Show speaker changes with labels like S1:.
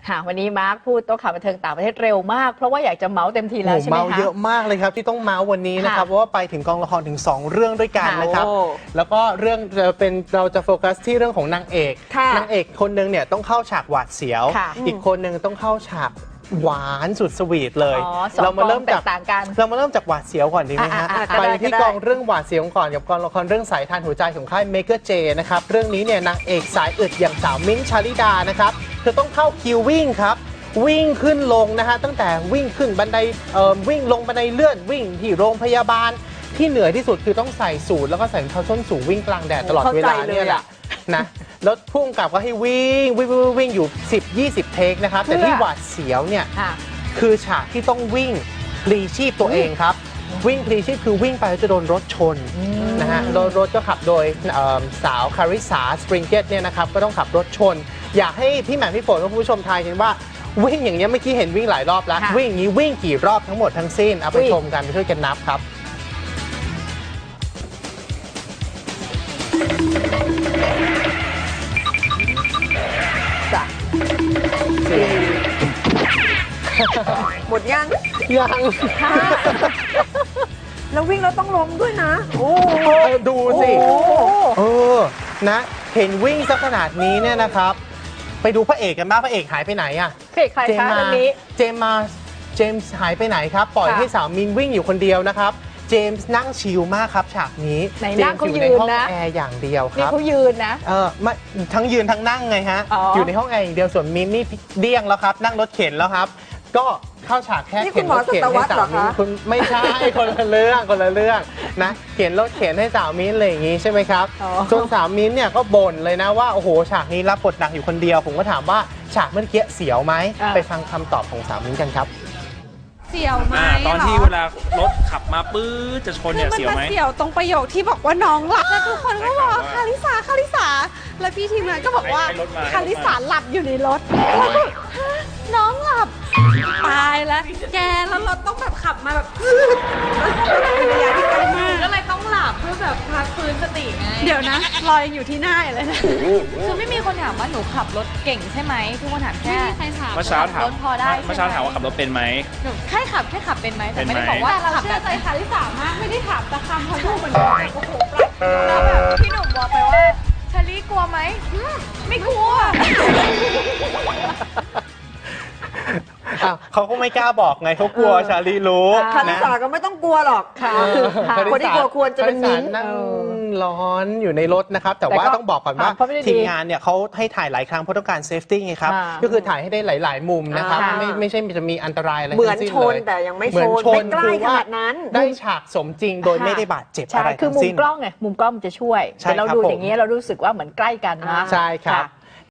S1: ค่ะวันนี้มาร์คพูดโต๊ะข่าวบันเทิงต่างประเทศเร็วมากเพราะว่าอยากจะเมาส์เต็มทีแล้วใช่ไหมคะ
S2: เมาเยอะมากเลยครับที่ต้องเมาส์วันนี้นะครับเพราะว่าไปถึงกองละครถึง2เรื่องด้วยกันนะครับแล้วก็เรื่องเราจะโฟกัสที่เรื่องของนางเอกคนนึงเนี่ยต้องเข้าฉากหวาดเสียวอีกคนนึงต้องเข้าฉากหวานสุดสวีทเลยเรามาเริ่มจากหวาดเสียวก่อนดีไหมฮะไปที่กองเรื่องหวาดเสียวก่อนกับกองละครเรื่องสายทานหัวใจของค่ายเมเกอร์เจนะครับเรื่องนี้เนี่ยนางเอกสายอึดอย่างสาวมิ้นท์ชาลิดานะครับเธอต้องเข้าคิววิ่งครับวิ่งขึ้นลงนะฮะตั้งแต่วิ่งขึ้นบันไดวิ่งลงบันไดเลื่อนวิ่งที่โรงพยาบาลที่เหนื่อยที่สุดคือต้องใส่สูทแล้วก็ใส่รองเท้าส้นสูงวิ่งกลางแดดตลอดเวลาเนี่ยแหละนะแล้วพุ่งกลับก็ให้วิ่งอยู่10-20 เทคนะครับแต่ที่หวาดเสียวเนี่ยคือฉากที่ต้องวิ่งพลีชีพตัวเองครับวิ่งพลีชีพคือวิ่งไปแล้วจะโดนรถชนนะฮะรถก็ขับโดยสาวคาริสาสปริงเกตเนี่ยนะครับก็ต้องขับรถชนอยากให้พี่แหม่มพี่ฝนและผู้ชมทายกันว่าวิ่งอย่างนี้เมื่อกี้เห็นวิ่งหลายรอบแล้ววิ่งอย่างนี้วิ่งกี่รอบทั้งหมดทั้งสิ้นเอาไปชมกันไปช่วยกันนับครับ
S3: หมดยังแล้ววิ่งแล้วต้องล้มด้วยนะโอ้
S2: ดูสินะเห็นวิ่งซะขนาดนี้เนี่ยนะครับไปดูพระเอกกันบ้างพระเอกหายไปไหนอะ
S1: พระเอกใครคะเรื่องนี้
S2: เจมส์หายไปไหนครับปล่อยให้สาวมินวิ่งอยู่คนเดียวนะครับเจมส์นั่งชิลมากครับฉากนี้
S1: เจมส์อยู่ในห้อง
S2: แอร์อย่างเดียวครับ
S1: นี่เขายืนนะ
S2: ไม่ทั้งยืนทั้งนั่งไงฮะอยู่ในห้องแอร์อย่างเดียวส่วนมินนี่เดี้ยงแล้วครับนั่งรถเข็นแล้วครับก็เข้าฉากแค่เข็นรถเข็นให้สาวมิ้นคุณไม่ใช่คนละเรื่องนะเข็นรถเข็นให้สาวมิ้นอะไรอย่างงี้ใช่ไหมครับส่วนสาวมิ้นเนี่ยก็บ่นเลยนะว่าโอ้โหฉากนี้รับบทหนักอยู่คนเดียวผมก็ถามว่าฉากเมื่อกี้เสียวไหมไปฟังคำตอบของสาวมิ้นกันครับ
S4: เสียวไหม
S5: ตอนที่เวลารถขับมาปื๊ดจะชนเนี่ยเสียวไหม
S4: เสียวตรงประโยคที่บอกว่าน้องหลับแล้วทุกคนก็บอกคาริสาแล้วพี่ทีมงานก็บอกว่าคาริสาหลับอยู่ในรถน้องหลับตายแล้วแกแล้วรถต้องแบบขับมาแบบระยะที่ไกลมาก
S6: ก็เลยต้องหลับเพื่อแบบพักฟื้นสติไง
S4: เดี๋ยวนะลอยอยู่ที่หน้าเลยนะ
S6: คือไม่มีคนถามว่าหนูขับรถเก่งใช่ไหมทุกคนถามแค่
S4: ใครถาม
S5: เมื่อเช้าถาม
S6: รถพอได้
S5: เมื่อเช้าถามว่าขับรถเป็นไหม
S6: หนูแค่ขับเป็นไหมแต่ไม่ได้บอกว่า
S4: เราเชื่อใจคาริสามากไม่ได้ถามแต่คำเขาดูเหมือนโอ้โห
S6: แล้วแบบพี่หนุ่มบอกไปว่าชาลีกลัวไหมไม่กลัว
S2: เขาก็ไม่กล้าบอกไงเขากลัวชาลีรู้
S3: คาริสาก็ไม่ต้องกลัวหรอกคนที่กลัวควรจะเป็นมิ้นท์
S2: นั่งร้อนอยู่ในรถนะครับแต่ว่าต้องบอกก่อนว่าทีมงานเนี่ยเขาให้ถ่ายหลายครั้งเพราะต้องการเซฟตี้ไงครับก็คือถ่ายให้ได้หลายๆมุมนะครับไม่ใช่จะมีอันตรายอะไร
S3: เหมือนชนแต่ยังไม่ชนไม่ใกล้ขนาดนั้น
S2: ได้ฉากสมจริงโดยไม่ได้บาดเจ็บอะไรทั้งสิ้น
S1: คือมุมกล้องมันจะช่วยแต่เราดูอย่างนี้เรารู้สึกว่าเหมือนใกล้กันนะ
S2: ใช่ครับ